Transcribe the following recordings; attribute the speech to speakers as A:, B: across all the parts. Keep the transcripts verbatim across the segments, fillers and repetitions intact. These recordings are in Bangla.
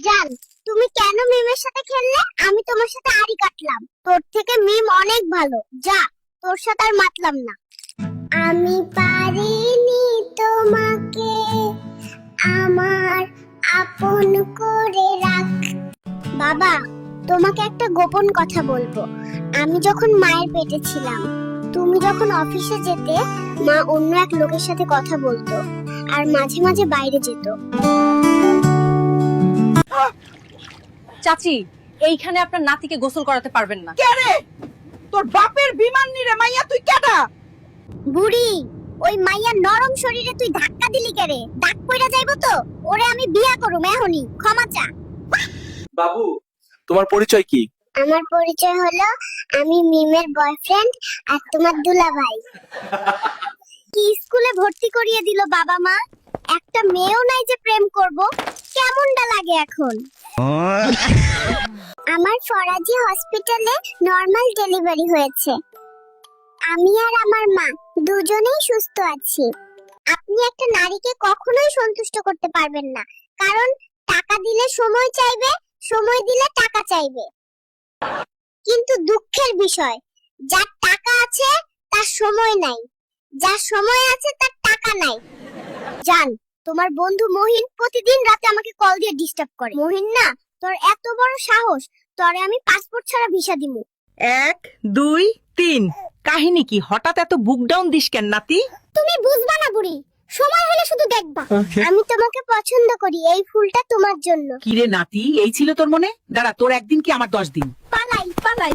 A: জান, তুমি কেন মিমের সাথে খেললে? আমি তোমার সাথে আড়ি কাটলাম। তোর থেকে মিম অনেক ভালো। যা, তোর সাথে আর মাতলাম না। আমি পারিনি তোমাকে আমার আপন করে রাখ। বাবা, তোমাকে একটা গোপন কথা বলবো। আমি যখন মায়ের পেটে ছিলাম, তুমি যখন অফিসে যেতে, মা অন্য এক লোকের সাথে কথা বলতো আর মাঝে মাঝে বাইরে যেত।
B: চাচি, এইখানে আপনার নাতিকে গোসল করাতে পারবেন না।
C: কে রে? তোর বাপের বিমান নিরে মাইয়া, তুই কেডা?
A: বুড়ি, ওই মাইয়ার নরম শরীরে তুই ধাক্কা দিলি কেরে? দাগ পইরা যাইবো তো। ওরে আমি বিয়া করুম এখনই, ক্ষমা চা।
D: বাবু, তোমার পরিচয় কি?
A: আমার পরিচয় হলো আমি মিমের বয়ফ্রেন্ড আর তোমার দুলাভাই। কি স্কুলে ভর্তি করিয়ে দিল বাবা মা। একটা মেয়েও নাই যে প্রেম করব। কেমনটা লাগে এখন? আমার ফরাজি হসপিটালে নরমাল ডেলিভারি হয়েছে। আমি আর আমার মা দুজনেই সুস্থ আছি। আপনি একটা নারীকে কখনোই সন্তুষ্ট করতে পারবেন না, কারণ টাকা দিলে সময় চাইবে, সময় দিলে টাকা চাইবে। কিন্তু দুঃখের বিষয়, যার টাকা আছে তার সময় নাই, যার সময় আছে তার টাকা নাই। জান, তোমার বন্ধু মহিন প্রতিদিন রাতে আমাকে কল দিয়ে ডিস্টার্ব করে। মহিন না, তোর এত বড় সাহস, তোরে আমি পাসপোর্ট ছাড়া ভিসা দিমু।
C: এক দুই তিন। কাহিনী কি? হঠাৎ এত বুক ডাউন দিস কেন নাতি?
A: তুমি বুঝবা না বুড়ি, সময় হলে শুধু দেখবা। আমি তোমাকে পছন্দ করি, এই ফুলটা তোমার জন্য।
C: কিরে নাতি, এই ছিল তোর মনে? দাঁড়া, তোর একদিন কি আমার দশ দিন?
A: পালাই পালাই।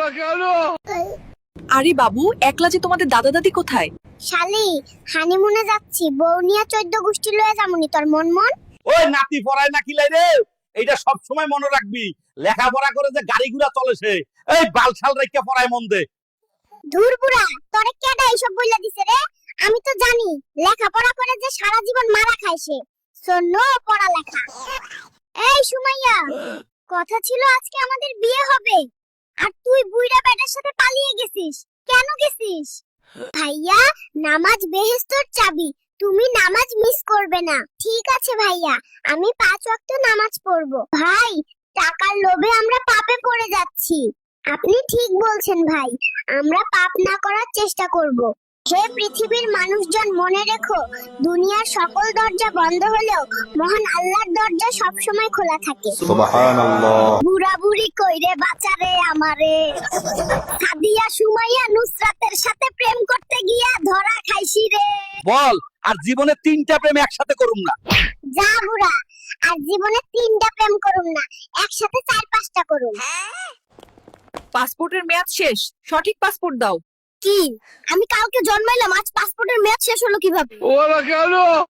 B: আরে বাবু, একলা যে তোমাদের দাদা দাদি কোথায়?
A: শালি, হানিমুনে যাচ্ছি, বউনিয়া চোদ্দ গোষ্ঠী লয়ে যামুনি। তোর মন মন
D: ওই নাতি পড়ায় না কিলাই রে, এইটা সব সময় মনে রাখবি। লেখাপড়া করে যে গাড়ি ঘোড়া চলে সে, এই বালছাল রেখে পড়ায় মন দে।
A: ধুর বুড়া, তোরে কেডা এইসব বইলা দিছে রে? আমি তো জানি লেখাপড়া করে যে সারা জীবন মারা খায় সে। সো নো পড়ালেখা। এই সুমাইয়া, কথা ছিল আজকে আমাদের বিয়ে হবে, আর তুই বুইড়া বেটার সাথে পালিয়ে গেছিস। কেন গেছিস? ভাইয়া, নামাজ বেহেশতের চাবি, তুমি নামাজ মিস করবে না। ঠিক আছে ভাইয়া, আমি পাঁচ ওয়াক্ত নামাজ পড়বো। ভাই, টাকার লোভে আমরা পাপে পড়ে যাচ্ছি। আপনি ঠিক বলছেন ভাই, আমরা পাপ না করার চেষ্টা করব। হে পৃথিবীর মানুষজন, মনে রেখো, দুনিয়ার সকল দরজা বন্ধ হলেও মহান আল্লাহর দরজা সবসময় খোলা থাকে।
D: সুবহানাল্লাহ।
A: বুড়া বুড়ি কইরে বাঁচারে আমারে। সাদিয়া সুমাইয়া নুসরাতের সাথে প্রেম করতে গিয়া ধরা খাইছি রে।
D: বল, আর জীবনে তিনটা প্রেম একসাথে করুম না।
A: যা বুড়া, আর জীবনে তিনটা প্রেম করুম না, একসাথে চার পাঁচটা করুম।
B: পাসপোর্টের মেয়াদ শেষ, সঠিক পাসপোর্ট দাও।
A: কি? আমি কালকে জন্মাইলাম, আজ পাসপোর্টের মেয়াদ শেষ হলো কিভাবে?
D: ওরা কেন?